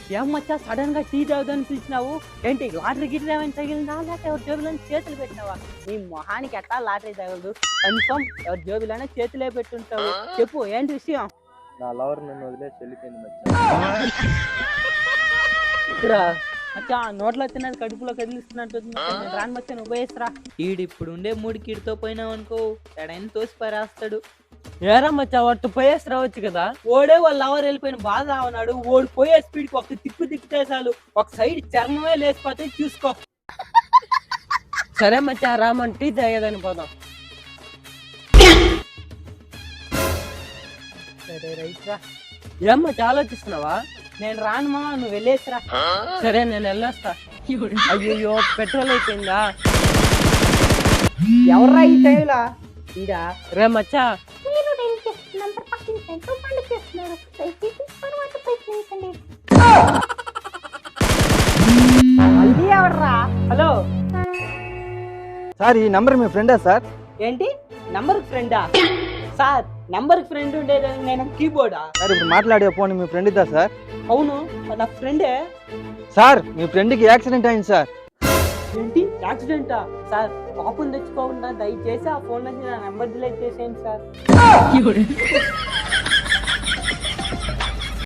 ఏం మచ్చా సడన్ గా టీ తాగుదని పిలిచినావు? ఏంటి లాటరీ గిట్ల ఏమైనా తగిలిందా, లేకపోతే ఎవరి జేబులను చేతులు పెట్టినావా? నీ మొహానికి ఎట్టా లాటరీ తగలదు, కన్ఫర్మ్ ఎవరి జేబులోనే చేతులే పెట్టుంటావు. చెప్పు ఏంటి విషయం? నా లవర్ నన్ను వదిలేసి వెళ్ళిపోయింది మచ్చా. మచ్చా నోట్లో తిన్నది కడుపులో కదిలిస్తున్నట్టు రాని మచ్చా, నువ్వు పోయేసరా. ఈడిప్పుడు ఉండే మూడికి ఈడితో పోయినావు అనుకో, ఎడైనా తోసి పారేస్తాడు. ఏరా మచ్చా వాడితో పోయేసి రావచ్చు కదా. ఓడే వాళ్ళు ఎవరు వెళ్ళిపోయిన బాధ రావన్నాడు. ఓడి పోయే స్పీడ్కి ఒక తిప్పితే చాలు, ఒక సైడ్ చర్మమే లేచిపోతే చూసుకో. సరే మచ్చా రామన్ టీ తాగేదని పోదాం. సరే రైట్ రా. ఏమ్మా ఆలోచిస్తున్నావా? నేను రాను మా, నువ్వు వెళ్ళేసిరా. సరే నేను వెళ్ళొస్తా. అయ్యో పెట్రోల్ అయిపోయిందా? ఎవర్రా ఈ టైంలా? ఇదా రే మచ్చా. మళ్ళీ ఎవర్రా? హలో సార్ ఈ నంబర్ మీ ఫ్రెండా సార్? ఏంటి నంబర్ ఫ్రెండా? సార్ నంబర్ ఫ్రెండ్ ఉండేది నేను కీబోర్డా? సార్ ఇప్పుడు మాట్లాడే ఫోన్ మీ ఫ్రెండ్ ఇద్దా సార్? అవును నా ఫ్రెండే. సార్ మీ ఫ్రెండ్కి యాక్సిడెంట్ అయింది సార్. ఏంటి యాక్సిడెంటా? సార్ పాపం తెచ్చుకోకుండా దయచేసి ఆ ఫోన్ నుంచి నా నెంబర్ డిలీట్ చేసేయండి సార్.